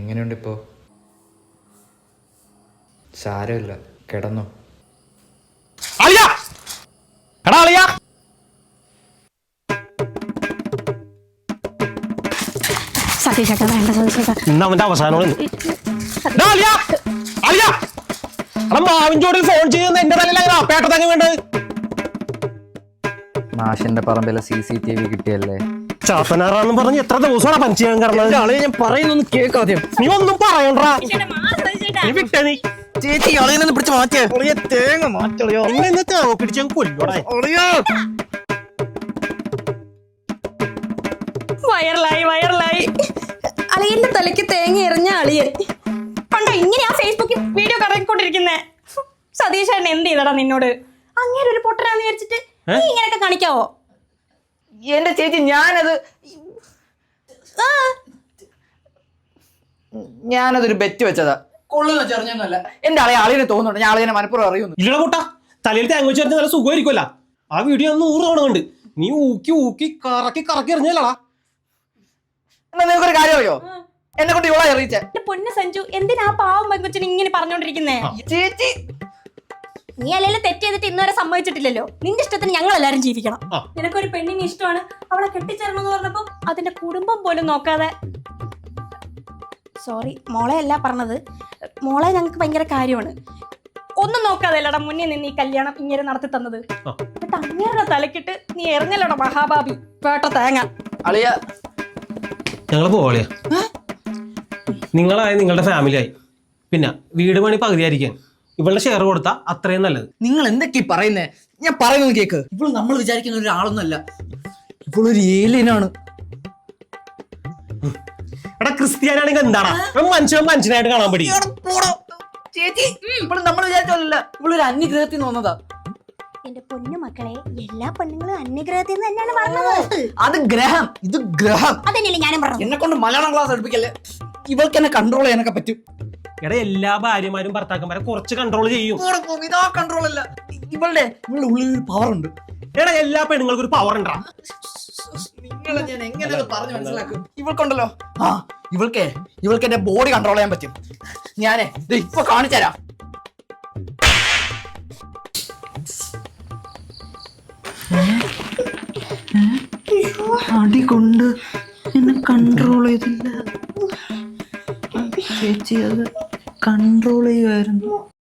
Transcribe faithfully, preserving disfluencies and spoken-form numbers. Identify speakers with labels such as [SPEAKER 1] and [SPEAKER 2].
[SPEAKER 1] എങ്ങനെയുണ്ട് ഇപ്പോൾ? സാരമില്ല, കിടന്നോ.
[SPEAKER 2] അവന്റെ അവസാനം മാവിൻചോടിൽ ഫോൺ ചെയ്യുന്ന എന്റെ തലയിലാ പേട്ടത്തങ്ങ വേണ്ടത്.
[SPEAKER 1] മാഷിന്റെ പറമ്പിലെ സി സി ടി വി കിട്ടിയല്ലേ?
[SPEAKER 2] ചാത്തനാറാന്ന് പറഞ്ഞ് എത്ര ദിവസമാണ് പഞ്ച് ചെയ്യാൻ കാരണം?
[SPEAKER 1] ഞാൻ പറയുന്നൊന്നും കേൾക്കാതെ
[SPEAKER 2] നീ ഒന്നും പറയണ്ടാ. നീ വിട്ടേ നീ
[SPEAKER 1] ചേച്ചി അളിയനെ പിടിച്ച് മാറ്റിയ തേങ്ങ മാറ്റളിയോ
[SPEAKER 2] തേങ്ങ പിടിച്ച കൊല്ലോടാ.
[SPEAKER 3] വയറലായി വയറലായി അളിയന്റെ തലയ്ക്ക് തേങ്ങ എറിഞ്ഞ അളിയൻ കണ്ടോ ഇങ്ങനെയാ ഫേസ്ബുക്കിൽ വീഡിയോ കറങ്ങിക്കൊണ്ടിരിക്കുന്നേ. സതീശേട്ടൻ എന്ത് ചെയ്തടാ നിന്നോട്? അങ്ങനെ ഒരു പൊട്ടനാന്ന് വിചാരിച്ചിട്ട് നീ ഇങ്ങനെയൊക്കെ കാണിക്കാവോ?
[SPEAKER 4] എന്റെ ചേച്ചി ഞാനത് ഞാനതൊരു ബെറ്റ് വെച്ചതാ. കൊള്ളുന്ന ചെറിഞ്ഞൊന്നുമല്ല. എന്റെ ആളെ ആളിനെ തോന്നുന്നുണ്ട് ഞാൻ ആളിനെ മനപ്പുറം അറിയുന്നു.
[SPEAKER 2] ഇല്ലട കൂട്ടാ, തലയിൽ തേങ്ങ വെച്ച് നല്ല സുഖമായിരിക്കുമല്ല. ആ വീഡിയോ നൂറ് തവണ കണ്ട് നീ ഊക്കി ഊക്കി കറക്കി കറക്കി എറിഞ്ഞല്ലടാ.
[SPEAKER 4] എന്നാ നിനക്കൊരു കാര്യം അറിയോ? എന്നെ കൊണ്ട് ഇവളെ അറിയിച്ചേ.
[SPEAKER 3] എന്റെ പൊന്ന് സഞ്ജു, എന്തിനാ പാവം പെങ്കൊച്ചിന് ഇങ്ങനെ പറഞ്ഞോണ്ടിരിക്കുന്നേ?
[SPEAKER 4] ചേച്ചി
[SPEAKER 3] നീ അല്ലെങ്കിലും തെറ്റ് ചെയ്തിട്ട് ഇന്നുവരെ സമ്മതിച്ചിട്ടില്ലല്ലോ. നിന്റെ ഇഷ്ടത്തിന് ഞങ്ങൾ എല്ലാരും ജീവിക്കണം. നിനക്കൊരു പെണ്ണിനെ ഇഷ്ടമാണ്, അവളെ കെട്ടിച്ചേരണം എന്ന് പറഞ്ഞപ്പോ അതിന്റെ കുടുംബം പോലും നോക്കാതെ. സോറി, മോളെ അല്ല പറഞ്ഞത്. മോളെ ഞങ്ങൾക്ക് ഭയങ്കര കാര്യമാണ്. ഒന്നും നോക്കാതെ അല്ലടാ മുന്നേ നിന്ന് ഈ കല്യാണം ഇങ്ങനെ നടത്തി തന്നത്. എന്നിട്ട് അങ്ങേരുടെ തലക്കിട്ട് നീ എറിഞ്ഞല്ലടാ മഹാഭാബി പേട്ട തേങ്ങ.
[SPEAKER 4] അളിയ
[SPEAKER 2] ഞങ്ങള് പോളിയ, നിങ്ങളായി നിങ്ങളുടെ ഫാമിലിയായി. പിന്നെ വീട് പണി പകുതിയായിരിക്കാൻ ഇവളുടെ ഷെയർ കൊടുത്താ അത്രയും നല്ലത്.
[SPEAKER 4] നിങ്ങൾ എന്തൊക്കെയാ പറയുന്നേ? ഞാൻ പറയുന്നത് കേക്ക്. ഇവള് നമ്മൾ വിചാരിക്കുന്ന ഒരാളൊന്നുമല്ല. ഇവളൊരു ഏലിയനാണ്.
[SPEAKER 2] എടാ ക്രിസ്ത്യാനാണെങ്കിൽ എന്താണ് മനുഷ്യൻ മനുഷ്യനായിട്ട് കാണാൻ പറ്റി.
[SPEAKER 4] ചേച്ചി ഇവള് നമ്മൾ വിചാരിച്ചല്ല. ഇവളൊരു അന്യഗ്രഹത്തിൽ നിന്ന് വന്നതാ.
[SPEAKER 3] എന്റെ പൊന്നു മക്കളെ, എല്ലാ പെണ്ണുങ്ങളും അന്യഗ്രഹത്തിൽ നിന്ന് തന്നെയാണ് പറഞ്ഞത്.
[SPEAKER 4] അത് ഗ്രഹം, ഇത് ഗ്രഹം.
[SPEAKER 3] അതന്നെയല്ലേ ഞാനും പറഞ്ഞു.
[SPEAKER 4] എന്നെ കൊണ്ട് മലയാളം ക്ലാസ് എടുപ്പിക്കല്ലേ. ഇവൾക്ക് എന്നെ കൺട്രോൾ ചെയ്യാനൊക്കെ പറ്റും.
[SPEAKER 2] എടാ എല്ലാ ഭാര്യമാരും ഭർത്താക്കന്മാരെ കുറച്ച് കൺട്രോൾ ചെയ്യും.
[SPEAKER 4] ഇതാ കൺട്രോൾ അല്ല. ഇവളുടെ ഇവളുടെ ഉള്ളിൽ ഒരു പവർ ഉണ്ട്.
[SPEAKER 2] എടാ എല്ലാ പെണ്ണുങ്ങൾക്കും ഒരു പവർ ഉണ്ടാ.
[SPEAKER 4] നിങ്ങളെ ഞാൻ എങ്ങനെ പറഞ്ഞു മനസ്സിലാക്കും? ഇവൾക്കുണ്ടല്ലോ, ആ ഇവൾക്ക് ഇവൾക്ക് എന്റെ ബോഡി കൺട്രോൾ ചെയ്യാൻ പറ്റും. ഞാനേ ഇപ്പൊ കാണിച്ചുതരാം. അടി കൊണ്ട് എന്നെ കൺട്രോൾ ചെയ്തില്ല ചേച്ചി, അത് കൺട്രോൾ ചെയ്യുമായിരുന്നു.